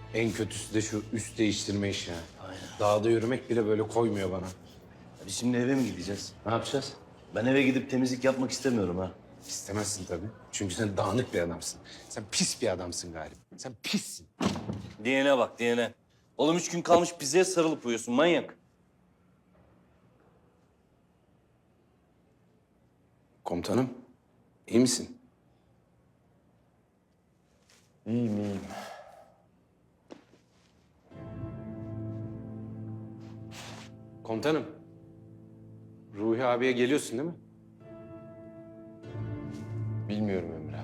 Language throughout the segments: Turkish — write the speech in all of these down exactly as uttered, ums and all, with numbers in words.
En kötüsü de şu üst değiştirme işi. Yani. Aynen. Dağda yürümek bile böyle koymuyor bana. Biz şimdi eve mi gideceğiz? Ne yapacağız? Ben eve gidip temizlik yapmak istemiyorum ha. İstemezsin tabii. Çünkü sen dağınık bir adamsın. Sen pis bir adamsın galiba. Sen pissin. Diyene bak diyene. Oğlum üç gün kalmış pizzaya sarılıp uyuyorsun manyak. Komutanım, iyi misin? İyiyim iyiyim. Komutanım, Ruhi abiye geliyorsun değil mi? Bilmiyorum Emre.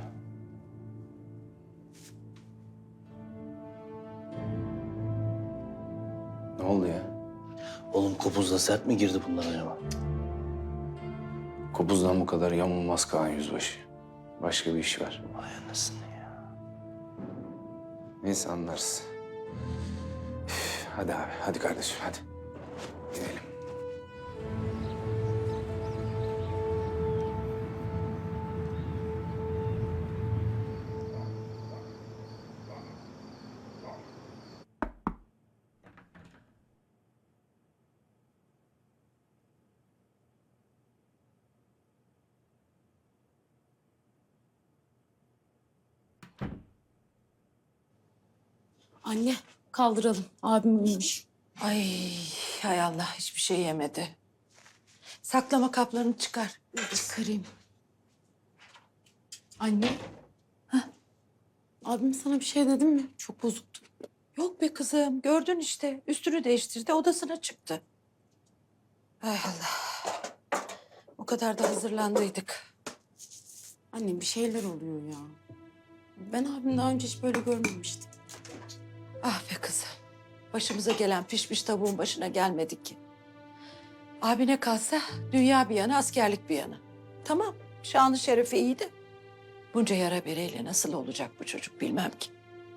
Ne oldu ya? Oğlum kopuzla sert mi girdi bunlar acaba? Kopuzdan bu kadar yamulmaz Kaan Yüzbaşı. Başka bir iş var. Vay anasını ya. Neyse anlarız. Üf, hadi abi, hadi kardeşim, hadi. Gidelim. Anne kaldıralım. Abim uyumuş. Ay hay Allah hiçbir şey yemedi. Saklama kaplarını çıkar. Çıkarayım. Anne. Heh. Abim sana bir şey dedim mi? Çok bozuktu. Yok be kızım gördün işte üstünü değiştirdi odasına çıktı. Ay Allah. O kadar da hazırlandıydık. Anne bir şeyler oluyor ya. Ben abim daha önce hiç böyle görmemiştim. Ah be kızım. Başımıza gelen pişmiş tavuğun başına gelmedik ki. Abine kalsa dünya bir yana askerlik bir yana. Tamam şanı şerefi iyiydi. Bunca yara bereyle nasıl olacak bu çocuk bilmem ki.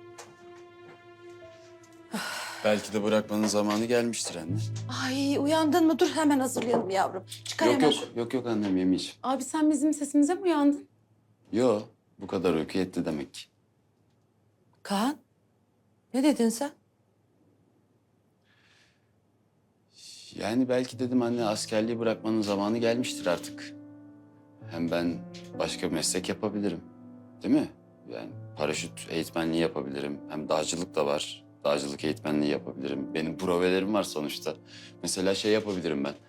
Belki de bırakmanın zamanı gelmiştir anne. Ay uyandın mı? Dur hemen hazırlayalım yavrum. Çıkar Yok hemen yok, şu- yok yok annem yemeyeceğim. Abi sen bizim sesimize mi uyandın? Yok, bu kadar uyku yetti demek ki. Kaan, ne dedin sen? Yani belki dedim anne askerliği bırakmanın zamanı gelmiştir artık. Hem ben başka bir meslek yapabilirim. Değil mi? Yani paraşüt eğitmenliği yapabilirim. Hem dağcılık da var. Dağcılık eğitmenliği yapabilirim. Benim provelerim var sonuçta. Mesela şey yapabilirim ben.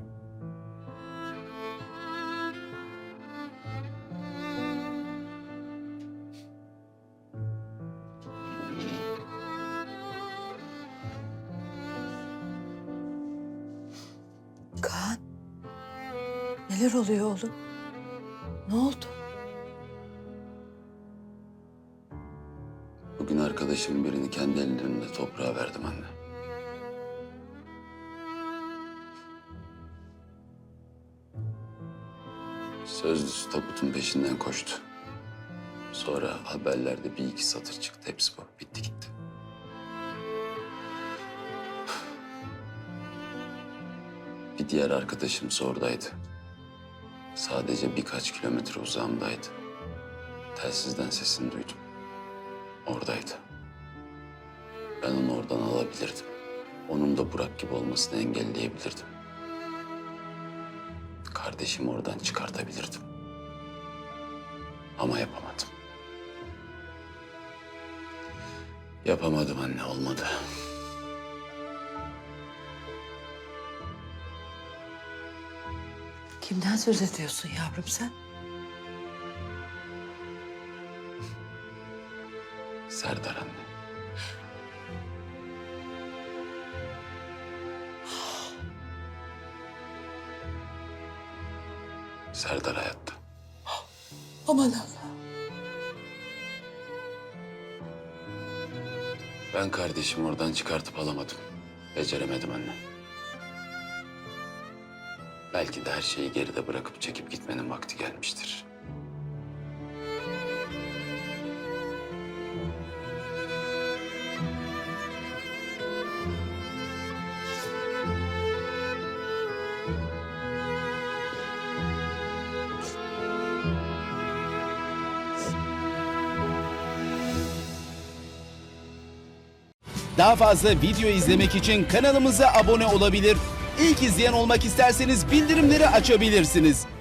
Kaan, neler oluyor oğlum? Ne oldu? Bugün arkadaşımın birini kendi ellerimle toprağa verdim anne. Sözlüsü tabutun peşinden koştu. Sonra haberlerde bir iki satır çıktı. Hepsi bu. Bitti gitti. Bir diğer arkadaşım oradaydı. Sadece birkaç kilometre uzağımdaydı. Telsizden sesini duydum. Oradaydı. Ben onu oradan alabilirdim. Onun da Burak gibi olmasını engelleyebilirdim. Kardeşimi oradan çıkartabilirdim. Ama yapamadım. Yapamadım anne, olmadı. Kimden söz ediyorsun yavrum sen? Serdar anne. Serdar hayatta. Aman Allah. Ben kardeşimi oradan çıkartıp alamadım. Beceremedim anne. Belki de her şeyi geride bırakıp çekip gitmenin vakti gelmiştir. Daha fazla video izlemek için kanalımıza abone olabilir. İlk izleyen olmak isterseniz bildirimleri açabilirsiniz.